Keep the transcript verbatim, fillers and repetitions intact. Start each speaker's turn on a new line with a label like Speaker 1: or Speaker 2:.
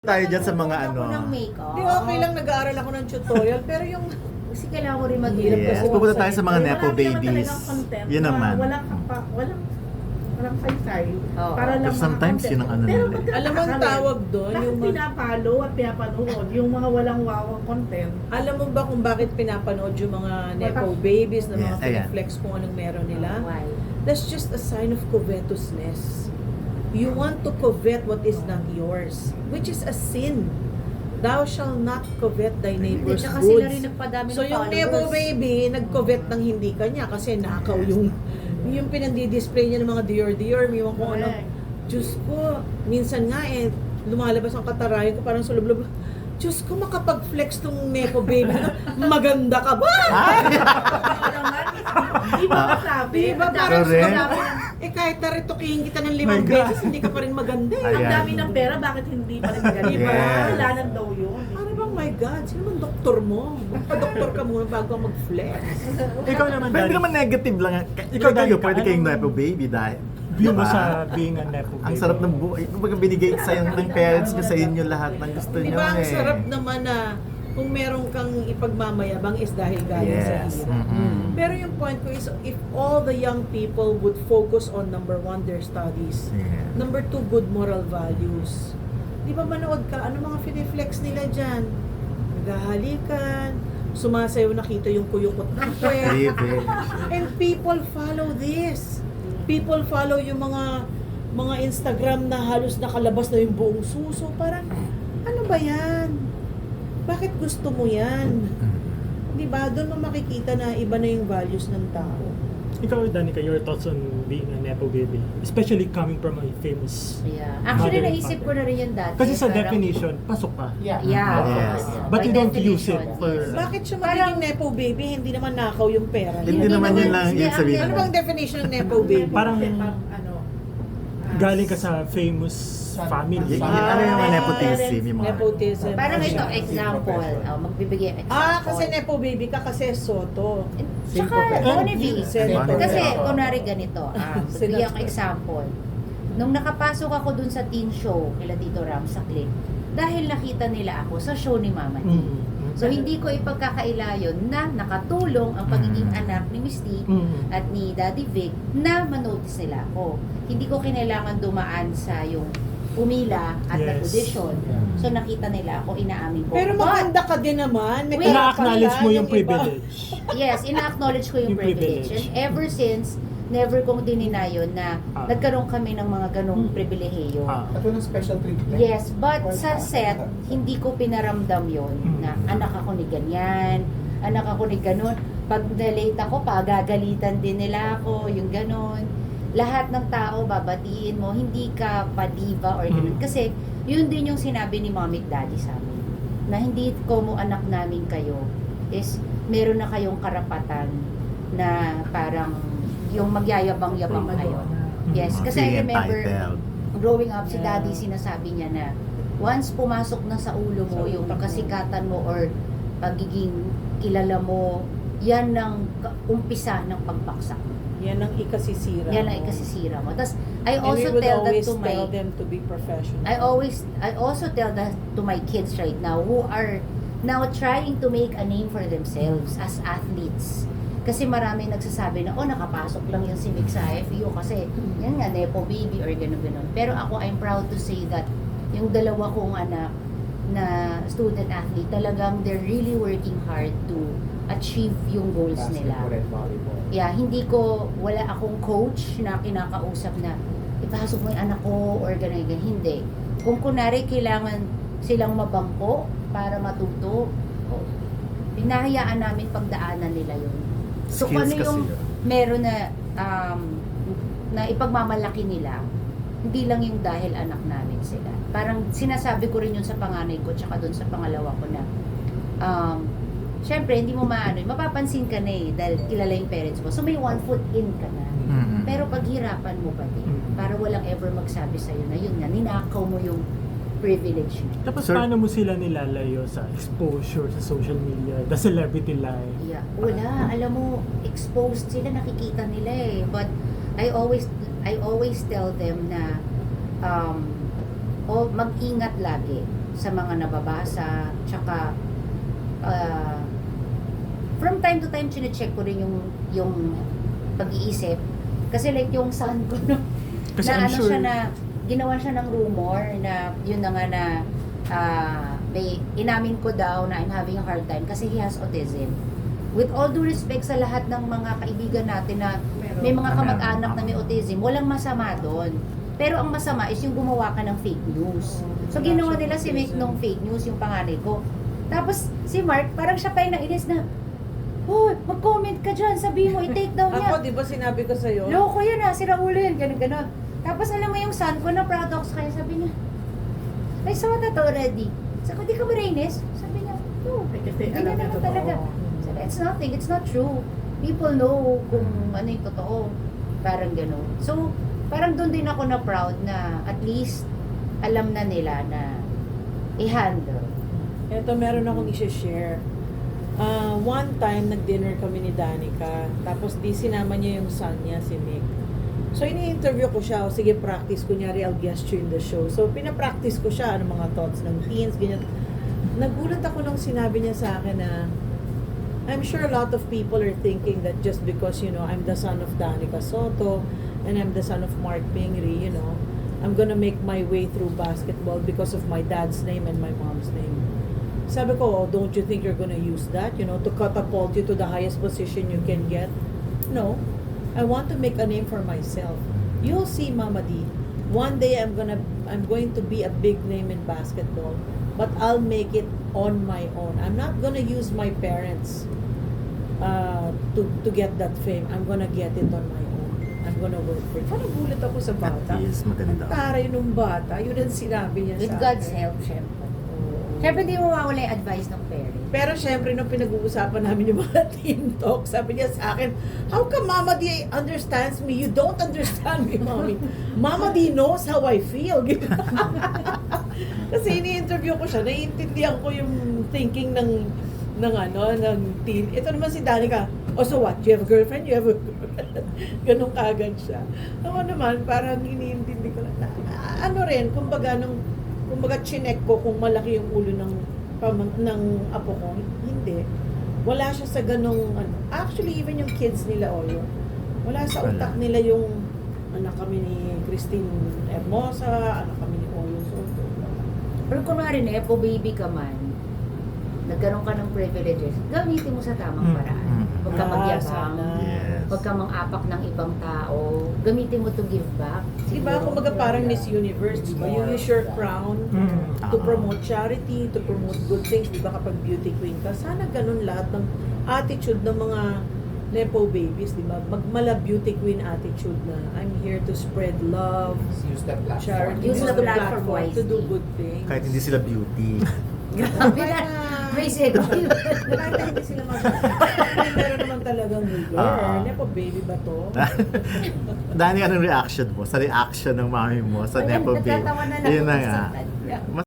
Speaker 1: Tayo dyan sa mga ano.
Speaker 2: Ako ng makeup.
Speaker 3: Di okay lang, nag-aaral ako ng tutorial, pero yung
Speaker 2: Kasi kailangan mo rin maghirap
Speaker 1: Yes.
Speaker 2: kasi.
Speaker 1: Pupunta tayo sa mga
Speaker 4: Marami
Speaker 1: nepo
Speaker 4: naman
Speaker 1: babies.
Speaker 4: talagang content
Speaker 1: Yun
Speaker 4: na
Speaker 1: naman.
Speaker 4: Walang, kapa, walang, walang saysay.
Speaker 2: Oo.
Speaker 4: Para lang
Speaker 1: Pero
Speaker 4: mga
Speaker 1: sometimes
Speaker 4: content.
Speaker 1: yun ang ano
Speaker 4: Pero
Speaker 1: nila.
Speaker 4: ba't
Speaker 3: alam mo ang
Speaker 4: nakakaloka?
Speaker 3: tawag doon,
Speaker 4: Bakit
Speaker 3: yung mga,
Speaker 4: pinapalo at pinapanood yung mga walang wawang content?
Speaker 3: alam mo ba kung bakit pinapanood yung mga nepo babies na mga
Speaker 1: Yes, ayan.
Speaker 3: flex kung anong meron nila?
Speaker 2: Why?
Speaker 3: That's just a sign of covetousness. You want to covet what is not yours, which is a sin. Thou shall not covet thy
Speaker 2: Hindi,
Speaker 3: neighbor's
Speaker 2: tsaka sila rin
Speaker 3: goods.
Speaker 2: nagpadami
Speaker 3: So
Speaker 2: ng
Speaker 3: yung
Speaker 2: followers.
Speaker 3: nepo baby, nag-covet ng hindi kanya kasi nakaw yung yung pinandi-display niya ng mga Dior Dior, may mga kung ano.
Speaker 4: Correct.
Speaker 3: Diyos ko, minsan nga eh, lumalabas ang katarayan ko parang sulublob. Diyos ko, makapag-flex tong nepo baby. Maganda ka ba?
Speaker 4: Oo naman, di ba kasabi?
Speaker 3: Di ba
Speaker 4: Ang dami-
Speaker 3: parang
Speaker 1: Correct.
Speaker 3: ang dami ng- eh kahit naritukihin kita ng limang
Speaker 1: My God.
Speaker 3: beses, hindi ka pa rin maganda eh.
Speaker 4: Ang
Speaker 1: Ayan.
Speaker 4: dami ng pera, bakit hindi pa rin ganun?
Speaker 1: Yes.
Speaker 4: Diba? Kasalanan daw yun.
Speaker 3: Ano bang my God? Sino bang doktor mo? Magpa-doktor ka muna bago ka mag-flex.
Speaker 5: Ikaw naman,
Speaker 1: Pwede
Speaker 5: Daddy.
Speaker 1: naman negative lang. Ikaw
Speaker 5: Ikaw,
Speaker 1: kayo,
Speaker 5: Daddy,
Speaker 1: pwede kayong
Speaker 5: anong-
Speaker 1: nepo baby dahil.
Speaker 5: View mo
Speaker 1: Diba?
Speaker 5: sa being a nepo baby.
Speaker 1: Ang sarap ng buhay. Kumbaga binigay sa'yo ng parents nyo sa inyo lahat ng gusto
Speaker 3: Di
Speaker 1: nyo
Speaker 3: ba ang
Speaker 1: eh.
Speaker 3: sarap naman na kung meron kang ipagmamayabang is dahil galing sa
Speaker 1: Yes.
Speaker 3: hirap.
Speaker 1: Mm-mm.
Speaker 3: Pero yung point ko is, if all the young people would focus on number one, their studies,
Speaker 1: Yeah.
Speaker 3: number two, good moral values. Di ba manood ka, ano mga finiflex nila dyan? Naghahalikan, sumasayaw nakita yung kuyukot ng kwet.
Speaker 1: Live
Speaker 3: And people follow this. People follow yung mga mga Instagram na halos nakalabas na yung buong suso. Parang, ano ba yan? Bakit gusto mo yan? Di ba? Doon mo makikita na iba na yung values ng tao.
Speaker 5: Ikaw, Danica, your thoughts on being a nepo baby? Especially coming from a famous...
Speaker 2: Yeah. Actually,
Speaker 5: Mother and
Speaker 2: naisip
Speaker 5: father.
Speaker 2: ko na rin yan dati.
Speaker 5: Kasi sa
Speaker 2: Parang-
Speaker 5: definition, pasok ka.
Speaker 2: Yeah.
Speaker 1: Yes.
Speaker 5: But
Speaker 2: By
Speaker 5: you don't use it
Speaker 2: definition,
Speaker 5: for-
Speaker 2: yes.
Speaker 3: Bakit siya
Speaker 2: Parang-
Speaker 3: magiging nepo baby? Hindi naman nakaw yung pera.
Speaker 1: Hindi
Speaker 3: niya.
Speaker 1: naman yun lang
Speaker 2: hindi,
Speaker 1: yung
Speaker 2: ang-
Speaker 1: sabihin.
Speaker 3: Ano bang definition ng nepo baby?
Speaker 5: Parang
Speaker 4: Kasi pang, ano, ah,
Speaker 5: galing ka sa famous family.
Speaker 1: Y-
Speaker 3: Ah,
Speaker 1: ano yung mga
Speaker 3: ah,
Speaker 1: nepotism? Yung mga
Speaker 3: Nepotism.
Speaker 2: Parang ito, example. Oh, magbibigay example.
Speaker 3: Ah, kasi nepo baby ka kasi Soto.
Speaker 2: Tsaka,
Speaker 5: Simple.
Speaker 2: Boniface.
Speaker 3: Senator.
Speaker 2: Kasi,
Speaker 1: Senator.
Speaker 2: kunwari ganito, um, bigyan ko example. Nung nakapasok ako dun sa teen show, kila Tito Ram sa clip, dahil nakita nila ako sa show ni Mama T.
Speaker 5: Mm.
Speaker 2: So, hindi ko ipagkakaila yun na nakatulong ang pagiging
Speaker 1: Mm.
Speaker 2: anak ni Miss T
Speaker 5: Mm.
Speaker 2: at ni Daddy Vic na manotice nila ako. Hindi ko kinailangan dumaan sa yung pumila at
Speaker 5: Yes.
Speaker 2: nag-audition. So, nakita nila ako, inaamin ko.
Speaker 3: Pero
Speaker 2: But,
Speaker 3: maganda ka din naman. May
Speaker 2: Wait.
Speaker 5: Na-acknowledge mo
Speaker 3: karapan
Speaker 5: yung
Speaker 3: iba.
Speaker 5: privilege.
Speaker 2: yes, ina-acknowledge ko yung,
Speaker 5: Yung
Speaker 2: privilege.
Speaker 5: privilege.
Speaker 2: And ever since, never kong dininayon na
Speaker 5: Ah.
Speaker 2: nagkaroon kami ng mga ganong
Speaker 5: Hmm.
Speaker 2: pribilehiyo.
Speaker 5: Ah.
Speaker 6: At walang special treatment.
Speaker 2: Yes, but sa set, hindi ko pinaramdam yon na
Speaker 5: Hmm.
Speaker 2: anak ako ni ganyan, anak ako ni ganon. Pag na-late ako, pagagalitan din nila ako, yung ganon. Lahat ng tao, babatiin mo, hindi ka pa-diva or ganon.
Speaker 5: Hmm.
Speaker 2: Kasi, yun din yung sinabi ni mommy at daddy sa amin. Na hindi ko mo anak namin kayo is meron na kayong karapatan na parang yung magyayabang-yabang kayo. Yes,
Speaker 5: Hmm.
Speaker 2: kasi I
Speaker 1: Being
Speaker 2: remember
Speaker 1: entitled.
Speaker 2: growing up si
Speaker 3: Yeah.
Speaker 2: daddy sinasabi niya na once pumasok na sa ulo mo yung kasikatan mo or pagiging kilala mo, yan ang ka- umpisa ng pagbaksak mo.
Speaker 3: Yan ang ikasisira.
Speaker 2: Yan ang
Speaker 3: mo.
Speaker 2: ikasisira mo. Tapos I
Speaker 3: And we
Speaker 2: also
Speaker 3: would
Speaker 2: tell that
Speaker 3: always
Speaker 2: to my
Speaker 3: tell them to be professional.
Speaker 2: I always I also tell that to my kids right now who are now trying to make a name for themselves as athletes. Kasi marami nagsasabi na, oh, nakapasok lang yan si Mick sa I F U kasi yan nga, nepo baby or gano'n-gano'n. Pero ako, I'm proud to say that yung dalawa kong anak na student athlete, talagang they're really working hard to achieve yung goals nila.
Speaker 6: Basketball and volleyball.
Speaker 2: Yeah, hindi ko, wala akong coach na kinakausap na ipasok mo yung anak ko or gano'n, gano'n. Hindi. Kung kunwari kailangan silang mabangko para matuto, oh, pinahayaan namin pagdaanan nila yun. So kung ano
Speaker 1: Skills
Speaker 2: yung
Speaker 1: kasi yun.
Speaker 2: meron na um, na ipagmamalaki nila, hindi lang yung dahil anak namin sila. Parang sinasabi ko rin yun sa panganay ko tsaka doon sa pangalawa ko na um, syempre hindi mo maano, mapapansin ka na eh dahil kilala yung parents mo. So may one foot in ka na.
Speaker 1: Mm-mm.
Speaker 2: Pero paghirapan mo pa din
Speaker 5: Mm.
Speaker 2: para walang ever magsabi sa'yo na yun nga, ninakaw mo yung privilege mo.
Speaker 5: Tapos
Speaker 1: Sir-
Speaker 5: paano mo sila nilalayo sa exposure sa social media, the celebrity life?
Speaker 2: Yeah. Wala, alam mo, exposed sila, nakikita nila eh. But I always I always tell them na um, oh, mag-ingat lagi. sa mga nababasa, tsaka uh, from time to time chine-check ko rin yung yung pag-iisip kasi like yung son ko no,
Speaker 5: Kasi
Speaker 2: na
Speaker 5: I'm
Speaker 2: ano
Speaker 5: sure-
Speaker 2: siya na ginawa siya ng rumor na yun na nga na ah, may inamin ko daw na I'm having a hard time kasi he has autism. With all due respect sa lahat ng mga kaibigan natin na may mga
Speaker 1: Na
Speaker 2: kamag-anak na
Speaker 1: meron.
Speaker 2: may autism, walang masama doon. Pero ang masama is yung gumawa ka ng fake news. So
Speaker 3: Wala
Speaker 2: ginawa
Speaker 3: siyang
Speaker 2: nila si Mick
Speaker 3: autism.
Speaker 2: nung fake news, yung panganay ko. Tapos si Mark, parang siya pa yung nainis na, Hoy, mag-comment ka dyan, sabihin mo, i-take down niya.
Speaker 3: Ako, di ba sinabi ko sa'yo?
Speaker 2: Loko yan ah, sira ulo yan, ganun ganon. Tapos alam mo yung son ko na proud ako sa kanya, sabi niya, I saw that already. Sabi ko, di ka ba nainis? Sabi niya, no,
Speaker 4: Eh, kasi alam
Speaker 2: ganyan
Speaker 4: niya
Speaker 2: naman
Speaker 4: totoo.
Speaker 2: talaga. Sabi, it's nothing, it's not true. People know kung ano yung totoo. Parang gano'n. So, parang doon din ako na proud na at least alam na nila na i-handle.
Speaker 3: Ito, meron akong i-share. Ah, one time, nag-dinner kami ni Danica. Tapos, di sinama niya yung son niya, si Nick. So, ini-interview ko siya. O, sige, practice. Kunyari, I'll guest you in the show. So, pinapractice ko siya. Ano mga thoughts ng teens, ganyan. Nagulat ako nung sinabi niya sa akin na I'm sure a lot of people are thinking that just because, you know, I'm the son of Danica Soto and I'm the son of Mark Pingri, you know, I'm gonna make my way through basketball because of my dad's name and my mom's name. Sabi ko, oh, don't you think you're gonna use that, you know, to catapult you to the highest position you can get? No. I want to make a name for myself. You'll see, Mama D. One day I'm gonna, I'm going to be a big name in basketball, but I'll make it on my own. I'm not gonna use my parents uh, to to get that fame. I'm gonna get it on my own. I'm gonna work for it. Parang gulat ako sa bata.
Speaker 1: At least maganda.
Speaker 3: Ang taray nung bata. Yun ang sinabi niya
Speaker 2: With
Speaker 3: sa
Speaker 2: God's
Speaker 3: akin.
Speaker 2: help, syempre.
Speaker 3: Oo.
Speaker 2: Syempre, di mo mawala yung advice ng parents.
Speaker 3: Pero syempre, nung pinag-uusapan namin yung mga teen talk, sabi niya sa akin, how come Mama D understands me? You don't understand me, Mommy. Mama D knows how I feel. Kasi ini-interview ko siya, naiintindihan ko yung thinking ng ng ano, ng teen. Ito naman si Danica, oh so what? You have a girlfriend? You have a girlfriend? Ganun kagad siya. Ako naman, parang iniintindi ko lang na, ah, ano rin, kumbaga, nung, kumbaga, chinek ko kung malaki yung ulo ng pamang, ng apo ko. Hindi. Wala siya sa ganong, ano. Actually, even yung kids nila, oh, yun. Wala sa
Speaker 1: Wala.
Speaker 3: utak nila yung, anak kami ni Christine Hermosa, anak kami ni Oyo Soto.
Speaker 2: Pero kunwari na, po baby ka man, nagkaroon ka ng privileges, gamitin mo sa tamang
Speaker 5: Mm,
Speaker 2: paraan.
Speaker 1: mm.
Speaker 2: Huwag ka
Speaker 3: Ah,
Speaker 2: magyabang,
Speaker 3: sana.
Speaker 1: Yes.
Speaker 2: huwag ka mang-apak ng ibang tao, gamitin mo to give back.
Speaker 3: Diba, kumbaga parang Miss Universe, diba? You use your crown
Speaker 5: Mm.
Speaker 3: to
Speaker 1: Ah.
Speaker 3: promote charity, to promote good things, diba kapag beauty queen ka. Sana ganun lahat ng attitude ng mga Nepo babies, diba? Magmala beauty queen attitude na I'm here to spread love,
Speaker 6: Use that platform.
Speaker 3: charity,
Speaker 2: Use the platform
Speaker 3: to do
Speaker 2: wisely.
Speaker 3: good things.
Speaker 1: Kahit hindi sila beauty.
Speaker 2: Grabe na, may second.
Speaker 3: Kahit na hindi sila mag- meron naman talagang girl.
Speaker 1: Ah.
Speaker 3: Nepo baby ba to?
Speaker 1: Dani, anong reaction mo sa reaction ng mami mo sa
Speaker 2: Ayan,
Speaker 1: Nepo Baby?
Speaker 2: natatawa na lang
Speaker 1: Yun na
Speaker 2: ako
Speaker 1: nga.
Speaker 2: sa kanya.
Speaker 1: Mas